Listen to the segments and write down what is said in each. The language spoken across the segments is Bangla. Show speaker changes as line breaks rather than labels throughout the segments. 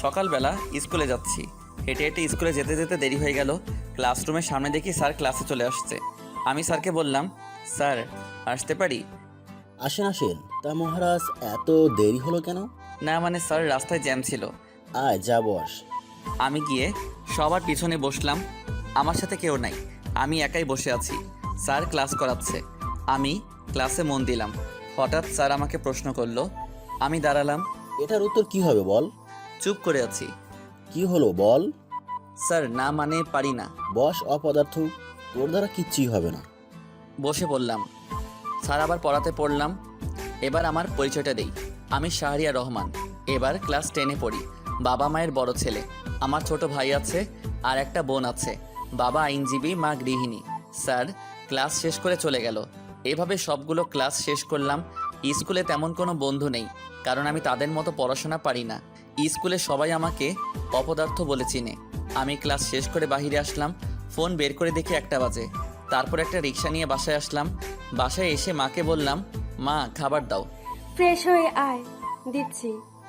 সকালবেলা স্কুলে যাচ্ছি। হেঁটে হেঁটে স্কুলে যেতে যেতে দেরি হয়ে গেল। ক্লাসরুমের সামনে দেখি স্যার ক্লাসে চলে আসছে। আমি স্যারকে বললাম, স্যার আসতে পারি?
আসেন আসেন। তা মহারাজ, এত দেরি হলো কেন?
না মানে স্যার, রাস্তায় জ্যাম ছিল।
আয় যা বস।
আমি গিয়ে সবার পিছনে বসলাম। আমার সাথে কেউ নাই, আমি একাই বসে আছি। স্যার ক্লাস করাচ্ছে, আমি ক্লাসে মন দিলাম। হঠাৎ স্যার আমাকে প্রশ্ন করলো। আমি দাঁড়ালাম,
এটার উত্তর কি হবে বল?
চুপ করে আছি।
কি হলো বল?
স্যার না মানে পারি না।
বস অপদার্থ, তোর দ্বারা কিচ্ছুই হবে না।
বসে পড়লাম। স্যার আবার পড়াতে পড়লাম। এবার আমার পরিচয়টা দেই। আমি শাহরিয়ার রহমান, এবার ক্লাস 10-এ পড়ি। বাবা মায়ের বড় ছেলে। আমার ছোট ভাই আছে আর একটা বোন আছে। বাবা আইনজীবী, মা গৃহিণী। স্যার ক্লাস শেষ করে চলে গেল। এভাবে সবগুলো ক্লাস শেষ করলাম। স্কুলে তেমন কোনো বন্ধু নেই, কারণ আমি তাদের মতো পড়াশোনা পারি না। স্কুলে সবাই আমাকে অপদার্থ বলে চিনে। আমি ক্লাস শেষ করে বাইরে আসলাম। ফোন বের করে দেখি 1টা বাজে। তারপর একটা রিক্সা নিয়ে বাসায় আসলাম। বাসায় এসে মাকে বললাম, মা খাবার দাও।
ফ্রেশ হয়ে আয়, দিচ্ছি।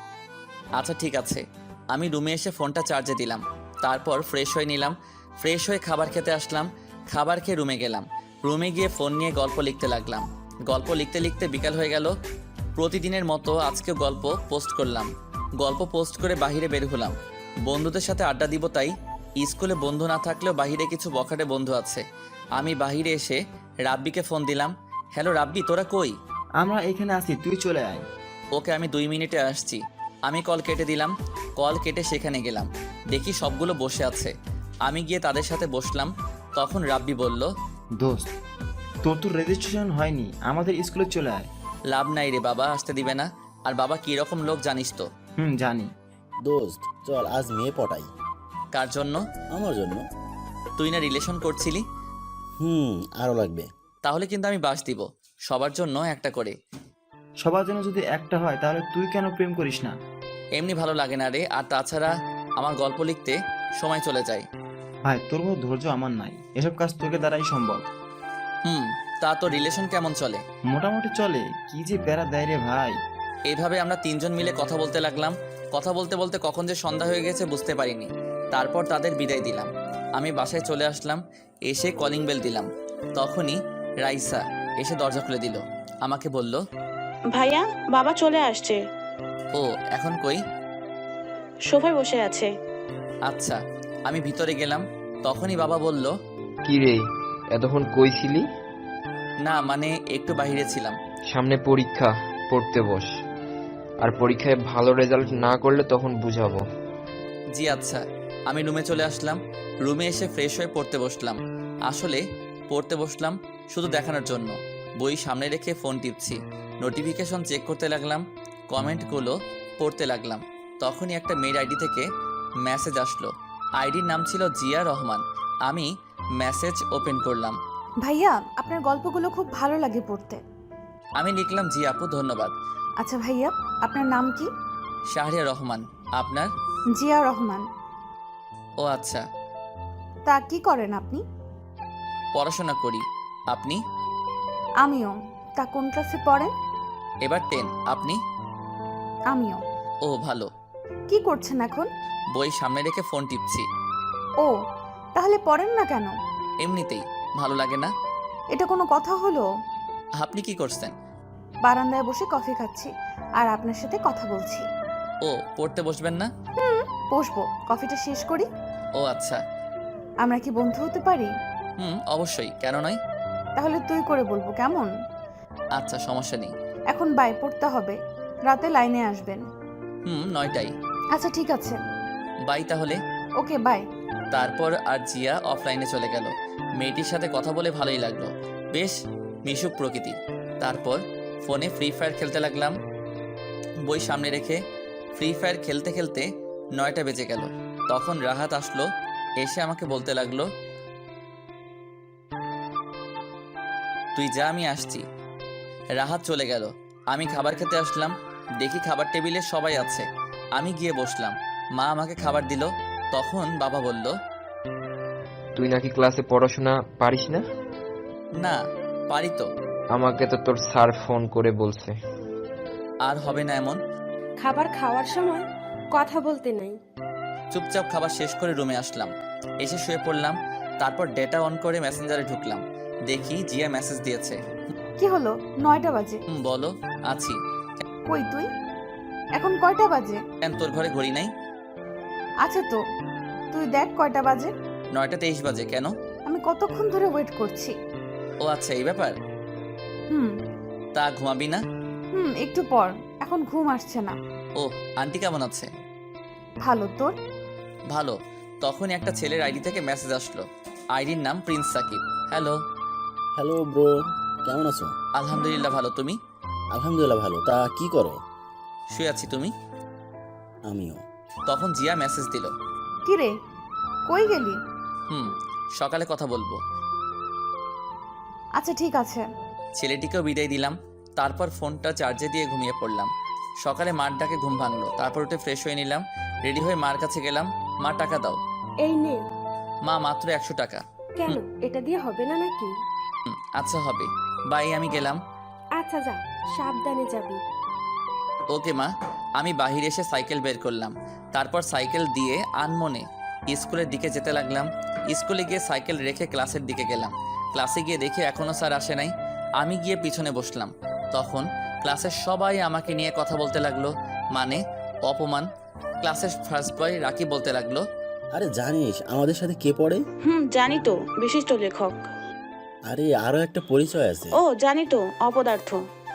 আচ্ছা ঠিক আছে। আমি রুমে এসে ফোনটা চার্জে দিলাম। তারপর ফ্রেশ হয়ে নিলাম। ফ্রেশ হয়ে খাবার খেতে আসলাম। খাবার খেয়ে রুমে গেলাম। রুমে গিয়ে ফোন নিয়ে গল্প লিখতে লাগলাম। গল্প লিখতে লিখতে বিকাল হয়ে গেল। প্রতিদিনের মতো আজকেও গল্প পোস্ট করলাম। গল্প পোস্ট করে বাইরে বের হলাম। বন্ধুদের সাথে আড্ডা দিব তাই। স্কুলে বন্ধু না থাকলেও বাইরে কিছু বখাটে বন্ধু আছে। আমি বাইরে এসে রাব্বিকে ফোন দিলাম। হ্যালো রাব্বি, তোরা কই?
আমরা এখানে আছি, তুই চলে আয়।
ওকে, আমি 2 মিনিটে আসছি। আমি কল কেটে দিলাম। কল কেটে সেখানে গেলাম। দেখি সবগুলো বসে আছে। আমি গিয়ে তাদের সাথে বসলাম। তখন রাব্বি বলল,
দোস্ত, তোর তো রেজিস্ট্রেশন হয়নি, আমাদের স্কুলে চলে আয়।
লাভ নাই রে, বাবা আসতে দিবে না। আর বাবা কী রকম লোক জানিস তো।
জানি।
দোস্ত চল আজ মেয়ে পটাই।
কার জন্য?
আমার জন্য।
তুই না রিলেশন করছিলি?
আরো লাগবে।
তাহলে কিন্তু আমি বাস দিব, সবার জন্য একটা করে।
সবার জন্য যদি একটা হয় তাহলে তুই কেন প্রেম করিস না?
এমনি ভালো লাগে না রে, আর তাছাড়া আমার গল্প লিখতে সময় চলে যায়।
ভাই, তোর মতো ধৈর্য আমার নাই, এসব কাজ তোকে দ্বারাই সম্ভব।
তা তো রিলেশন কেমন চলে?
মোটামুটি চলে, কি যে প্যারা দেয় রে ভাই।
এইভাবে আমরা 3জন মিলে কথা বলতে লাগলাম। কথা বলতে বলতে কখন যে সন্ধ্যা হয়ে গেছে বুঝতে পারিনি। তারপর তাদের বিদায় দিলাম। আমি বাসায় চলে আসলাম। এসে কলিং বেল দিলাম। তখনই রাইসা এসে দরজা খুলে দিল। আমাকে বলল,
ভাইয়া, বাবা চলে আসছে।
ও এখন কই?
সোফায় বসে আছে।
আচ্ছা। আমি ভিতরে গেলাম। তখনই বাবা বলল,
কি রে, এতক্ষণ কই ছিলি?
না মানে একটু বাইরে ছিলাম।
সামনে পরীক্ষা, পড়তে বস। আর পরীক্ষায় ভালো রেজাল্ট না করলে তখন বুঝাবো।
জি আচ্ছা। আমি রুমে চলে আসলাম। রুমে এসে ফ্রেশ হয়ে পড়তে বসলাম। আসলে পড়তে বসলাম শুধু দেখানোর জন্য। বই সামনে রেখে ফোন টিপছি। নোটিফিকেশন চেক করতে লাগলাম। কমেন্টগুলো পড়তে লাগলাম। তখনই একটা মেয়ের আইডি থেকে মেসেজ আসলো। আইডির নাম ছিল জিয়া রহমান। আমি মেসেজ ওপেন করলাম।
ভাইয়া, আপনার গল্পগুলো খুব ভালো লাগে পড়তে।
আমি লিখলাম, জি আপু ধন্যবাদ।
আচ্ছা ভাইয়া, আপনার নাম কি?
শাহরিয়া রহমান। আপনার?
জিয়া রহমান।
ও আচ্ছা।
তা কি করেন আপনি?
পড়াশোনা করি। আপনি?
আমিও। তা কোন ক্লাসে পড়েন?
এবার 10। আপনি?
আমিও।
ও ভালো।
কি করছেন এখন?
বই সামনে রেখে ফোন টিপছি।
ও, তাহলে পড়েন না কেন?
এমনিতেই ভালো লাগে না।
এটা কোনো কথা হলো?
আপনি কি করছেন?
বারান্দায় বসে কফি খাচ্ছি আর আপনার সাথে কথা বলছি।
ও, পড়তে বসবেন না?
বসবো, কফিটা শেষ করি।
ও আচ্ছা।
আমরা কি বন্ধু হতে পারি?
অবশ্যই, কেন নয়।
তাহলে তুই করে বলবো, কেমন?
আচ্ছা, সমস্যা নেই।
এখন বাই, পড়তে হবে। রাতে লাইনে আসবেন।
9টায়।
আচ্ছা ঠিক আছে।
বাই তাহলে।
Okay bye.
তারপর আর জিয়া অফলাইনে চলে গেল। মেয়েটির সাথে কথা বলে ভালোই লাগলো, বেশ মিশুক প্রকৃতি। তারপর ফোনে ফ্রি ফায়ার খেলতে লাগলাম। বই সামনে রেখে ফ্রি ফায়ার খেলতে খেলতে 9টা বেজে গেল। তখন রাহাত আসলো। এসে আমাকে বলতে লাগলো, তুই যা, আমি আসছি। রাহাত চলে গেল। আমি খাবার খেতে আসলাম। দেখি খাবার টেবিলে সবাই আছে। আমি গিয়ে বসলাম। মা আমাকে খাবার দিল। তখন বাবা বলল,
তুই নাকি ক্লাসে পড়াশোনা পারিস না?
না পারি তো।
আমাকে তো তোর স্যার ফোন করে বলছে।
আর হবে না এমন।
খাবার খাওয়ার সময় কথা বলতে নাই।
চুপচাপ খাবার শেষ করে রুমে আসলাম, এসে শুয়ে পড়লাম। তারপর ডেটা অন করে মেসেঞ্জারে ঢুকলাম, দেখি জিয়া মেসেজ দিয়েছে।
কি হলো? 9টা বাজে।
বলো। আছি।
কই তুই? এখন কয়টা বাজে?
কেন তোর ঘরে ঘড়ি নাই?
আচ্ছা তো, তুই দেখ কয়টা বাজে।
9:23 বাজে। কেন?
আমি কতক্ষণ ধরে ওয়েট করছি।
ও আচ্ছা, এই ব্যাপার।
হুম
তা ঘুমাবি না?
একটু পর। এখন ঘুম আসছে না।
ও, আন্টি কেমন আছে?
ভালো, তোর?
ভালো। তখনই একটা ছেলের আইডি থেকে মেসেজ আসলো। আইডির নাম Prince Sakib. Hello.
Hello bro, কেমন আছো?
আলহামদুলিল্লাহ ভালো, তুমি?
আলহামদুলিল্লাহ ভালো। তা কি করো?
শুয়ে আছি, তুমি?
আমিও।
তখন জিয়া মেসেজ দিল।
কি রে, কই গেলি?
সকালে কথা বলবো।
আচ্ছা ঠিক আছে।
ছেলেটিকেও বিদায় দিলাম। তারপর ফোনটা চার্জে দিয়ে ঘুমিয়ে পড়লাম। সকালে মার ডাকে ঘুম ভাঙলো। তারপর উঠে ফ্রেশ হয়ে নিলাম, রেডি হয়ে মার কাছে গেলাম। মা, টাকা দাও।
এই নে।
মা, মাত্র 100 টাকা।
কেন, এটা দিয়ে হবে না নাকি?
আচ্ছা হবে, বাই, আমি গেলাম।
আচ্ছা যা, সাবধানে যাবি।
ওকে মা। আমি বাহিরে এসে সাইকেল বের করলাম। তারপর সাইকেল দিয়ে আনমনে স্কুলের দিকে যেতে লাগলাম। স্কুলে গিয়ে সাইকেল রেখে ক্লাসের দিকে গেলাম। ক্লাসে গিয়ে দেখি এখনও স্যার আসে নাই। আমি গিয়ে পিছনে বসলাম। তখন ক্লাসের সবাই আমাকে নিয়ে কথা বলতে লাগলো, মানে অপমান। ক্লাসের ফার্স্ট বয় রাকি বলতে লাগলো,
আরে জানিস আমাদের সাথে কে পড়ে?
জানি তো, বিশিষ্ট লেখক।
আরে আরো একটা পরিচয় আছে।
ও জানি তো, অপদার্থ।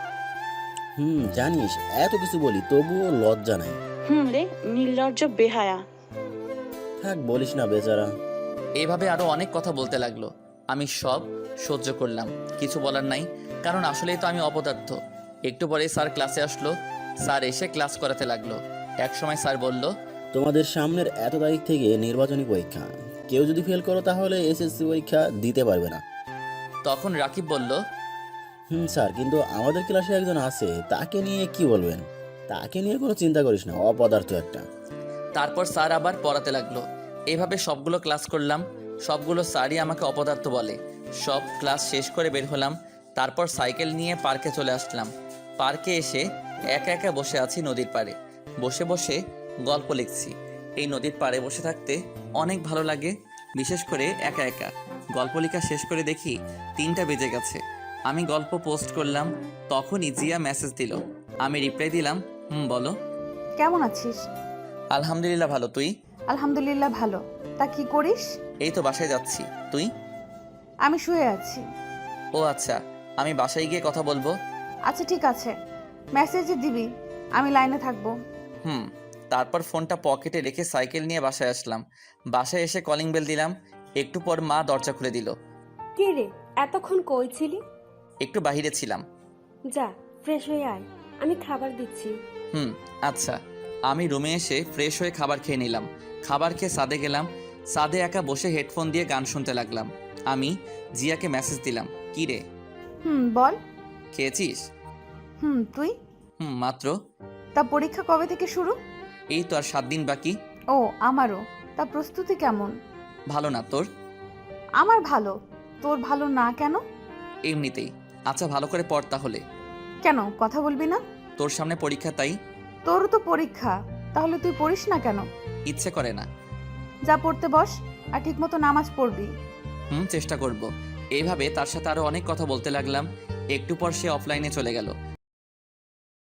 জানিস এত কিছু বলি তবুও লজ্জা নাই।
রে, নির্লজ্জ বেহায়া।
থাক বলিস না বেচারা।
এইভাবে আরও অনেক কথা বলতে লাগলো। আমি সব সহ্য করলাম, কিছু বলার নাই, কারণ আসলেই তো আমি অপদার্থ। একটু পরেই স্যার ক্লাসে আসলো। স্যার এসে ক্লাস করাতে লাগলো। একসময় স্যার বলল,
তোমাদের সামনের এত তারিখ থেকে নির্বাচনী পরীক্ষা, কেউ যদি ফেল করো তাহলে এসএসসি পরীক্ষা দিতে পারবে না।
তখন রাকিব বলল,
স্যার, কিন্তু আমাদের ক্লাসে একজন আছে, তাকে নিয়ে কি বলবেন? তাকে নিয়ে কোনো চিন্তা করিস না, অপদার্থ একটা।
তারপর স্যার আবার পড়াতে লাগলো। এভাবে সবগুলো ক্লাস করলাম। সবগুলো স্যারই আমাকে অপদার্থ বলে। সব ক্লাস শেষ করে বের হলাম। তারপর সাইকেল নিয়ে পার্কে চলে আসলাম। পার্কে এসে একা একা বসে আছি নদীর পাড়ে। বসে বসে গল্প লিখছি। এই নদীর পাড়ে বসে থাকতে অনেক ভালো লাগে, বিশেষ করে একা একা। গল্প লেখা শেষ করে দেখি 3টা বেজে গেছে। আমি গল্প পোস্ট করলাম, তখনই জিয়া মেসেজ দিল। আমি রিপ্লাই দিলাম, বলো।
কেমন আছিস?
আলহামদুলিল্লাহ ভালো, তুই?
আলহামদুলিল্লাহ ভালো। তা কি করিস?
এই তো বাসায় যাচ্ছি, তুই?
আমি শুয়ে আছি।
ও আচ্ছা, আমি বাসায় গিয়ে কথা বলবো।
আচ্ছা ঠিক আছে, মেসেজে দিবি, আমি লাইনে থাকবো।
তারপর ফোনটা পকেটে রেখে সাইকেল নিয়ে বাসায় আসলাম। বাসায় এসে কলিং বেল দিলাম। একটু পর মা দরজা খুলে দিল।
কে রে, এতক্ষণ কই ছিলি?
একটু বাহিরে ছিলাম।
যা, ফ্রেশ হয়ে আয়, আমি খাবার দিচ্ছি।
আচ্ছা। আমি রুমে এসে ফ্রেশ হয়ে খাবার খেয়ে নিলাম। খাবার খেয়ে ছাদে গেলাম। ছাদে একা বসে হেডফোন দিয়ে গান শুনতে লাগলাম। আমি জিয়াকে মেসেজ দিলাম, কি রে
বল।
খেয়েছিস?
তুই?
মাত্র।
তা পরীক্ষা কবে থেকে শুরু?
এই তো আর 7 দিন বাকি।
ও আমারও। তা প্রস্তুতি কেমন?
ভালো না, তোর?
আমার ভালো। তোর ভালো না কেন?
এমনিতেই। আচ্ছা, ভালো করে পড় তাহলে।
কেন, কথা বলবি না?
তোর সামনে পরীক্ষা, তাই।
তোরও তো পরীক্ষা, তাহলে তুই পড়িস না কেন?
ইচ্ছে করে না।
যা পড়তে বস, আর ঠিক মতো নামাজ পড়বি।
চেষ্টা করব। এইভাবে তার সাথে আরো অনেক কথা বলতে লাগলাম। একটু পর সে অফলাইনে চলে গেল।